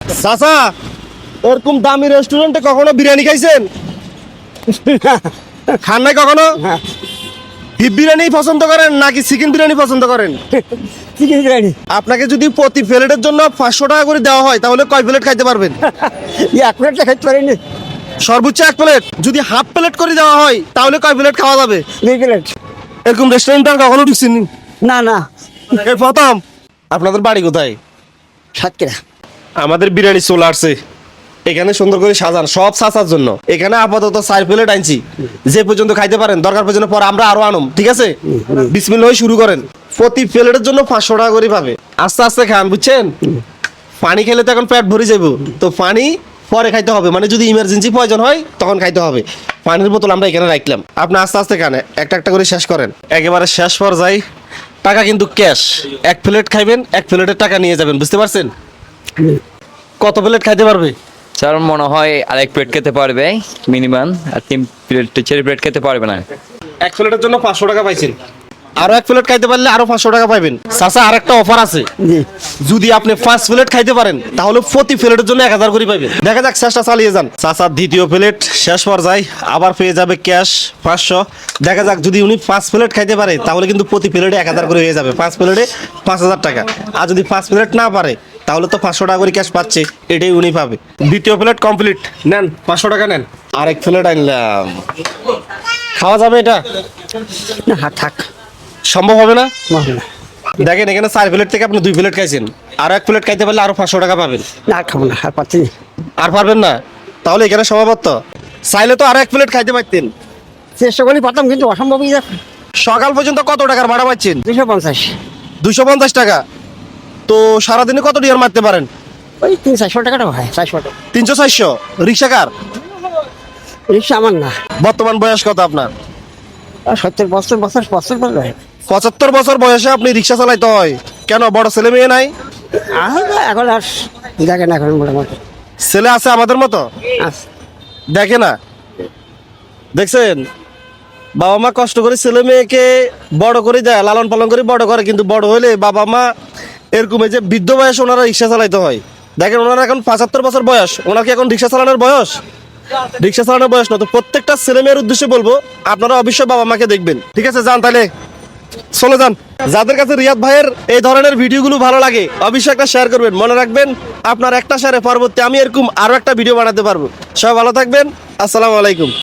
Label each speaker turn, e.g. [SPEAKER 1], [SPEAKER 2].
[SPEAKER 1] চাচা, এরকম দামি রেস্টুরেন্টে কখনো বিরিয়ানি খাইছেন? খান নাই কখনো? বিফ বিরিয়ানি পছন্দ করেন নাকি চিকেন বিরিয়ানি পছন্দ করেন?
[SPEAKER 2] চিকেন বিরিয়ানি।
[SPEAKER 1] আপনাকে যদি প্রতি প্লেটের জন্য 500 টাকা করে দেওয়া হয় তাহলে কয় প্লেট খাইতে পারবেন?
[SPEAKER 2] এক প্লেটটা খাইতে পারিনি।
[SPEAKER 1] সর্বোচ্চ 1 প্লেট। যদি হাফ প্লেট করে দেওয়া হয় তাহলে কয় প্লেট খাওয়া যাবে?
[SPEAKER 2] 2 প্লেট।
[SPEAKER 1] এরকম রেস্টুরেন্ট আর কখনো ঢুকছেন?
[SPEAKER 2] না না,
[SPEAKER 1] এই প্রথম। আপনাদের বাড়ি কোথায়?
[SPEAKER 2] সাতক্ষীরা।
[SPEAKER 1] আমাদের বিরিয়ানি চলে আসছে, এখানে সুন্দর করে সাজান সব চাচার জন্য। এখানে আপাতত 4 প্লেট আনছি, যে পর্যন্ত খাইতে পারেন, দরকার পর্যন্ত পর আমরা আরো আনুম, ঠিক আছে? বিসমিল্লাহ শুরু করেন। প্রতি প্লেটের জন্য 500 টাকা করে পাবে। আস্তে আস্তে খান, বুঝছেন? পানি খেলে তো এখন পেট ভরে যাবো, তো পানি পরে খাইতে হবে, মানে যদি ইমার্জেন্সি প্রয়োজন হয় তখন খাইতে হবে। পানির বোতল আমরা এখানে রাখলাম, আপনি আস্তে আস্তে খান, একটা একটা করে শেষ করেন। একেবারে শেষ পর্যায়ে টাকা কিন্তু ক্যাশ। 1 প্লেট খাইবেন, 1 প্লেটের টাকা নিয়ে যাবেন, বুঝতে পারছেন? কত প্লেট খাইতে পারবে?
[SPEAKER 3] স্যার মনে হয় আরেক প্লেট খেতে পারবে মিনিমাম, আর 3 প্লেট 4 প্লেট খেতে পারবে না।
[SPEAKER 1] 1 প্লেটের জন্য 500 টাকা পাইছেন, আরো 1 প্লেট খাইতে পারলে আরো 500 টাকা পাইবেন। চাচা, আরেকটা অফার আছে,
[SPEAKER 2] জি।
[SPEAKER 1] যদি আপনি 5 প্লেট খাইতে পারেন তাহলে প্রতি প্লেটের জন্য 1000 করে পাইবেন। দেখা যাক, চেষ্টা চালিয়ে যান। চাচা দ্বিতীয় প্লেট শেষ পর্যায়ে আবার পেয়ে যাবে ক্যাশ 500। দেখা যাক, যদি উনি 5 প্লেট খাইতে পারে তাহলে কিন্তু প্রতি প্লেটে 1000 করে হয়ে যাবে, 5 প্লেটে 5000 টাকা। আর যদি 5 প্লেট না পারে তাহলে তো 500 টাকা করে ক্যাশ পাচ্ছে, এটাই উনি পাবে। দ্বিতীয় প্লেট কমপ্লিট, নেন 500 টাকা নেন। আরেক প্লেট আনলাম, খাওয়া যাবে এটা?
[SPEAKER 2] না থাক,
[SPEAKER 1] সম্ভব হবে না।
[SPEAKER 2] হবে না।
[SPEAKER 1] দেখেন, এখানে 4 প্লেট থেকে আপনি 2 প্লেট খাইছেন, আরো 1 প্লেট খাইতে পারলে আরো 500 টাকা পাবেন।
[SPEAKER 2] না আর খাবো না, আর পাচ্ছি না।
[SPEAKER 1] আর পারবেন না? তাহলে এখানে সমাপত্ত। চাইলে তো আরো 1 প্লেট খাইতে পারতেন।
[SPEAKER 2] চেষ্টা করলে পারতাম, কিন্তু অসম্ভবই।
[SPEAKER 1] সকাল পর্যন্ত কত টাকার ভাড়া পাচ্ছেন?
[SPEAKER 2] 250।
[SPEAKER 1] 250 টাকা। তো সারাদিনে কত ডিয়ার মারতে পারেন?
[SPEAKER 2] ওই 300-400 টাকাটা হয়, 400 টাকা।
[SPEAKER 1] 300-400। রিক্সা কার?
[SPEAKER 2] রিক্সা আমার না।
[SPEAKER 1] বর্তমান বয়স কত আপনার?
[SPEAKER 2] 70 বছর বছর বছর বছর
[SPEAKER 1] 75 বছর বয়সে আপনি রিক্সা চালাইতে হয় কেন? বড় ছেলে মেয়ে নাই?
[SPEAKER 2] এখন আর দেখে না, এখন মোটামুটি
[SPEAKER 1] ছেলে আছে আমাদের মতো,
[SPEAKER 2] আছে।
[SPEAKER 1] দেখে না? দেখছেন, বাবা মা কষ্ট করে ছেলে মেয়েকে বড় করে দেয়, লালন পালন করে বড় করে, কিন্তু বড় হলে বাবা মা এরকম এই যে বৃদ্ধ বয়সে ওনারা রিক্সা চালাইতে হয়। দেখেন, ওনারা এখন 75 বছর বয়স, ওনার কি এখন রিক্সা চালানোর বয়স? রিক্সা চালানোর বয়স না। তো প্রত্যেকটা ছেলে মেয়ের উদ্দেশ্যে বলবো, আপনারা অবশ্যই বাবা মাকে দেখবেন, ঠিক আছে? যান তাহলে, চলে যান। যাদের কাছে রিয়াদ ভাইয়ের এই ধরনের ভিডিওগুলো ভালো লাগে অবশ্যই একটা শেয়ার করবেন। মনে রাখবেন, আপনার একটা শেয়ারে পরবর্তী আমি এরকম আরো একটা ভিডিও বানাতে পারবো। সবাই ভালো থাকবেন, আসসালামু আলাইকুম।